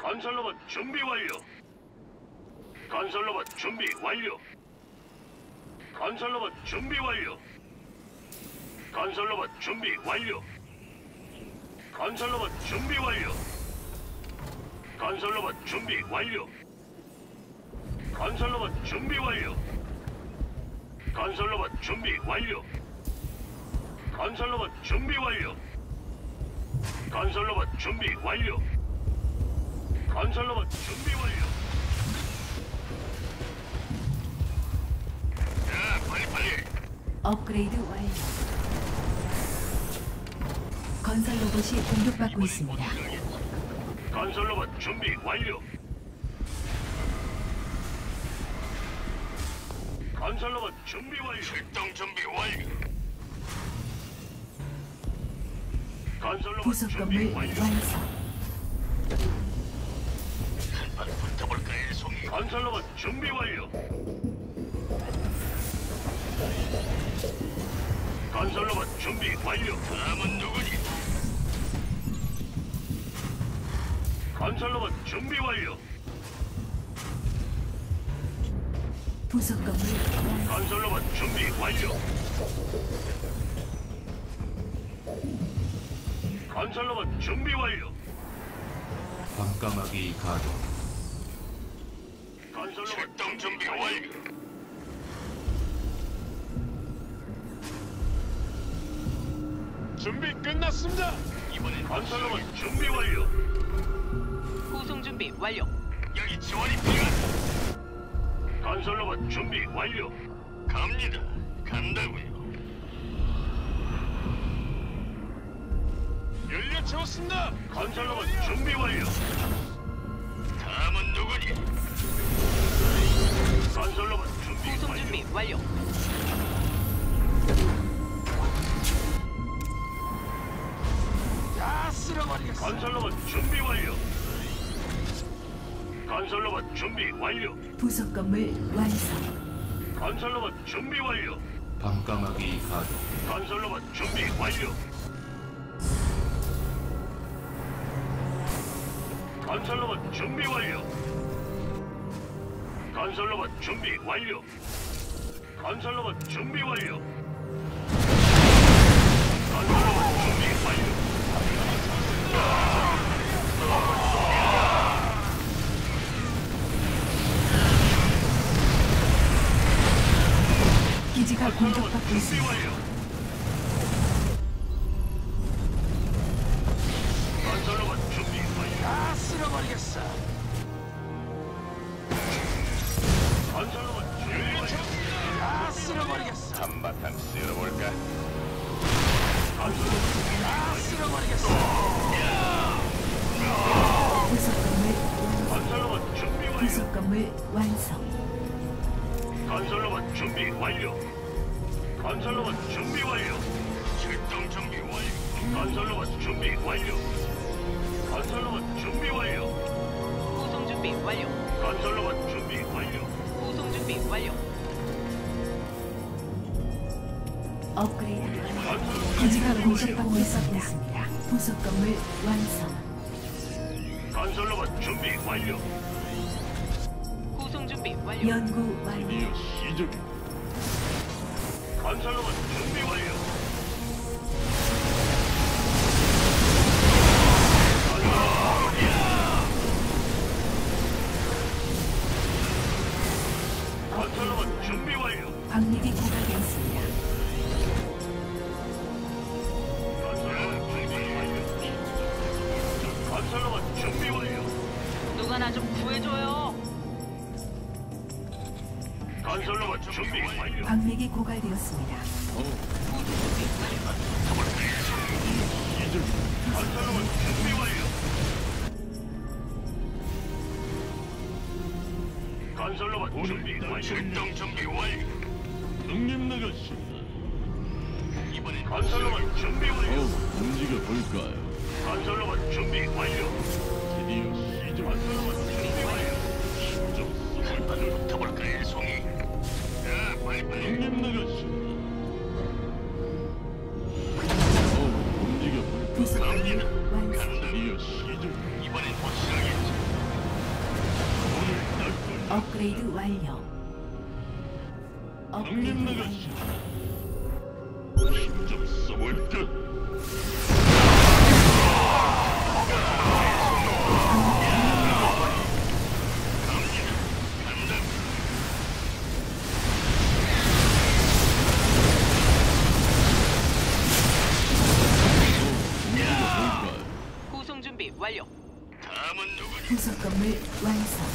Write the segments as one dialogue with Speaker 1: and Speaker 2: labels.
Speaker 1: 건설로봇 준비 완료. 건설로봇 준비 완료. 건설로봇 준비 완료. 건설로봇 준비 완료. 건설로봇 준비 완료. 건설로봇 준비 완료. 건설로봇 준비 완료. 건설로봇 준비 완료. 건설로봇 준비 완료. 건설로봇 준비 완료. 건설로봇 준비 완료. 자, 빨리.
Speaker 2: 업그레이드 완료. 건설 로봇이 공격받고 있습니다.
Speaker 1: 건설로봇 준비 완료. 건설로봇 준비 완료. 출동 준비 완료. 건설로봇
Speaker 2: 부속
Speaker 1: 준비
Speaker 2: 건물
Speaker 1: 완료.
Speaker 2: 완성.
Speaker 1: 한판 붙어볼까요, 송이? 건설로봇 준비 완료. 건설로봇 준비 완료. 다음은 누구니? 건설로봇 준비 완료.
Speaker 2: 부속 건물 완성.
Speaker 1: 건설로봇 준비 완료. 건설로봇 준비 완료.
Speaker 3: 밤까마귀 가동.
Speaker 1: 건설로봇 출동 준비 완료.
Speaker 4: 준비 끝났습니다.
Speaker 1: 이번엔 건설로봇 준비 완료.
Speaker 5: 구송 준비 완료.
Speaker 1: 여기 지원이 필요한. 건설로봇 준비 완료. 갑니다. 간다고요.
Speaker 4: 연료 채웠습니다.
Speaker 1: 건설로봇 준비 완료. 다음은 누구니? 건설로봇 준비
Speaker 5: 구송
Speaker 1: 완료.
Speaker 5: 준비 완료.
Speaker 4: 다 쓸어버리겠어.
Speaker 1: 건설로봇 준비 완료. 건설로봇 준비 완료.
Speaker 2: 부속 건물 완성.
Speaker 1: 건설로봇 준비 완료.
Speaker 3: 밤까마귀 가동.
Speaker 1: 건설로봇 준비 완료. 건설로봇 준비 완료. 건설로봇 준비 완료. 건설로봇 준비 완료. 건설로봇 준비 완료.
Speaker 2: 기지가 공격받고
Speaker 1: 준비
Speaker 2: 있습니다.
Speaker 1: 완료. 건설로봇 준비 완료.
Speaker 4: 다 쓸어버리겠어.
Speaker 1: 건설로봇 준비 완료.
Speaker 4: 다 쓸어버리겠어.
Speaker 1: 한바탕 쓸어볼까?
Speaker 4: 다 쓸어버리겠어.
Speaker 2: 부속 건물
Speaker 1: 건설로봇 준비 완료.
Speaker 2: 부속 건물 완성.
Speaker 1: 건설로봇 준비 완료. 건설로봇 준비 완료. 출동 준비 완료. 건설로봇 준비 완료. 건설로봇 준비 완료.
Speaker 5: 구송 준비 완료.
Speaker 1: 건설로봇 준비 완료.
Speaker 5: 구송 준비 완료.
Speaker 2: 업그레이드 완료.
Speaker 1: 건설로봇
Speaker 2: 기지가
Speaker 1: 준비 완료.
Speaker 2: 공격받고 있습니다. 부속 건물 완성.
Speaker 1: 건설로봇 준비 완료.
Speaker 5: 구송 준비 완료.
Speaker 2: 연구 완료.
Speaker 4: 시작.
Speaker 1: 건설로봇 준비 완료. 건설로봇 준비 완료.
Speaker 2: 광맥이 고갈되었습니다.
Speaker 1: 건설로봇 준비 완료. 건설로봇 준비 완료.
Speaker 5: 누가 나 좀 구해줘요.
Speaker 1: 건설로봇 준비 완료.
Speaker 2: 광맥이 고갈되었습니다.
Speaker 5: 구송 준비 완료.
Speaker 1: 건설로봇 준비 완료. 건설로봇 준비 완료. 출동 준비 완료.
Speaker 4: 능님 나가십니다.
Speaker 1: 이번엔 건설로봇 준비 완료.
Speaker 4: 움직여 볼까요?
Speaker 1: 건설로봇 준비 완료.
Speaker 4: 드디어 시작.
Speaker 1: 건설로봇 준비 완료.
Speaker 4: 좀
Speaker 1: 한판 붙어볼까요, 송이? 자, 빨리빨리.
Speaker 4: 능님 나가십니다. 움직여 볼까요?
Speaker 2: 부속 건물
Speaker 1: 갑니다.
Speaker 2: 완성.
Speaker 1: 간다.
Speaker 4: 드디어 시작.
Speaker 1: 이번엔 확실하겠지.
Speaker 2: 업그레이드 완료. 업그레이드
Speaker 4: 형님
Speaker 2: 완료.
Speaker 4: 나가시. 힘좀 써볼까? 뭘까요?
Speaker 5: 구성 준비 완료.
Speaker 1: 다음은 누구니?
Speaker 2: 부속 건물 완성.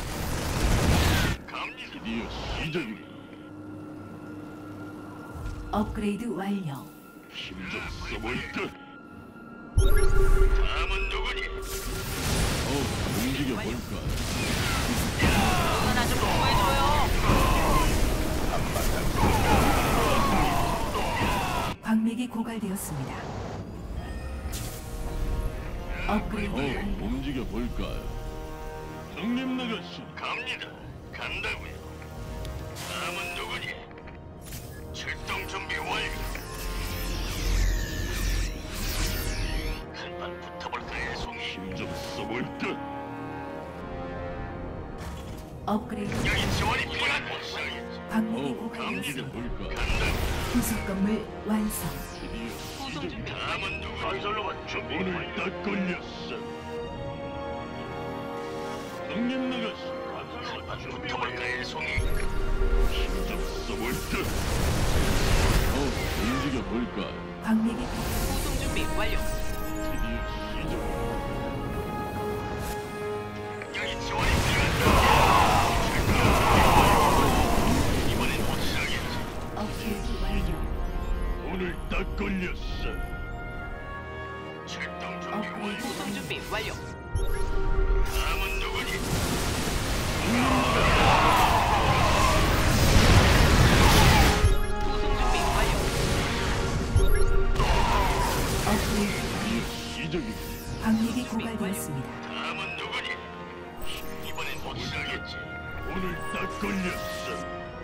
Speaker 1: 갑니다.
Speaker 4: 드디어 시작이군.
Speaker 2: 업그레이드 완료.
Speaker 4: 힘좀 써볼까?
Speaker 1: 다음은 누구니?
Speaker 4: 움직여 볼까요?
Speaker 5: 누가 나 좀 구해줘요.
Speaker 2: 광맥이 고갈되었습니다. 업그레이드 완료.
Speaker 4: 움직여 볼까요? 형님 나가시.
Speaker 1: 갑니다. 간다고요. 다음은 누구니? 출동 준비 완료. 한판 붙어볼까요, 송이?
Speaker 4: 힘좀 써볼까?
Speaker 2: 업그레이드.
Speaker 1: 여기 지원이 필요한 곳이야겠지.
Speaker 2: 광맥이
Speaker 4: 움직여
Speaker 2: 고갈되었습니다.
Speaker 4: 볼까요?
Speaker 1: 간다고.
Speaker 2: 부속 건물 완성.
Speaker 4: 드디어
Speaker 5: 구성
Speaker 4: 시작이군.
Speaker 5: 준비 완료.
Speaker 1: 다음은 누구니? 건설로만 준비
Speaker 4: 오늘
Speaker 1: 완료.
Speaker 4: 딱 걸렸어. 형님 나가시.
Speaker 1: 한판 붙어볼까요, 송이?
Speaker 4: 힘좀 써볼까? 움직여 볼까요?
Speaker 2: 광맥이 고갈.
Speaker 5: 구성 준비 완료.
Speaker 4: 드디어 시작.
Speaker 1: 여기 지원이 필요한 이번엔 확실하겠지.
Speaker 2: 업그레이드 완료.
Speaker 4: 오늘 딱 걸렸어.
Speaker 1: 출동 준비 완료.
Speaker 5: 구성 준비 완료.
Speaker 1: 다음은 누구니?
Speaker 5: 구성 준비 완료.
Speaker 2: 업그레이드.
Speaker 4: 드디어 시작이군.
Speaker 2: 광맥이 고갈되었습니다.
Speaker 1: 다음은 누구니? 이번엔 확실하겠지.
Speaker 4: 오늘 딱 걸렸어.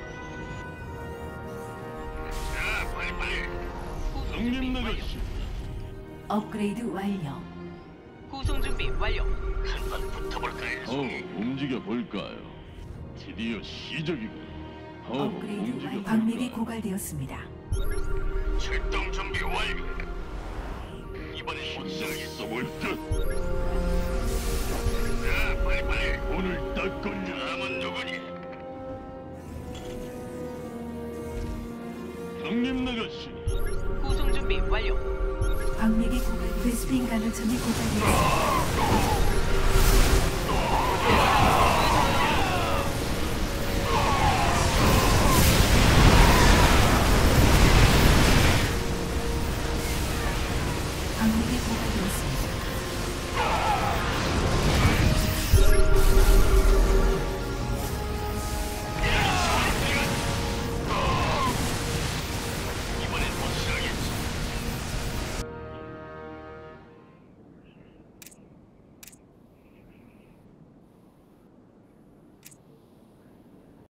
Speaker 1: 자, 빨리빨리.
Speaker 5: 구성
Speaker 4: 형님
Speaker 5: 준비 완료.
Speaker 4: 나가시.
Speaker 2: 업그레이드 완료.
Speaker 5: 구성 준비 완료.
Speaker 1: 한판 붙어볼까요, 송이?
Speaker 4: 움직여 볼까요? 드디어 시작이군.
Speaker 2: 업그레이드
Speaker 4: 움직여
Speaker 2: 완료. 광맥이
Speaker 4: 볼까요?
Speaker 2: 고갈되었습니다.
Speaker 1: 출동 준비 완료. 이번엔 확실하게
Speaker 4: 써볼까?
Speaker 1: 자, 빨리빨리.
Speaker 4: 오늘 딱 걸렸어.
Speaker 1: 다음은 누구니?
Speaker 4: 형님 나가시.
Speaker 5: 구성 준비 완료.
Speaker 2: 광맥이 고갈. 베스핀 가능성이 고갈되었습니다.
Speaker 5: 누가 나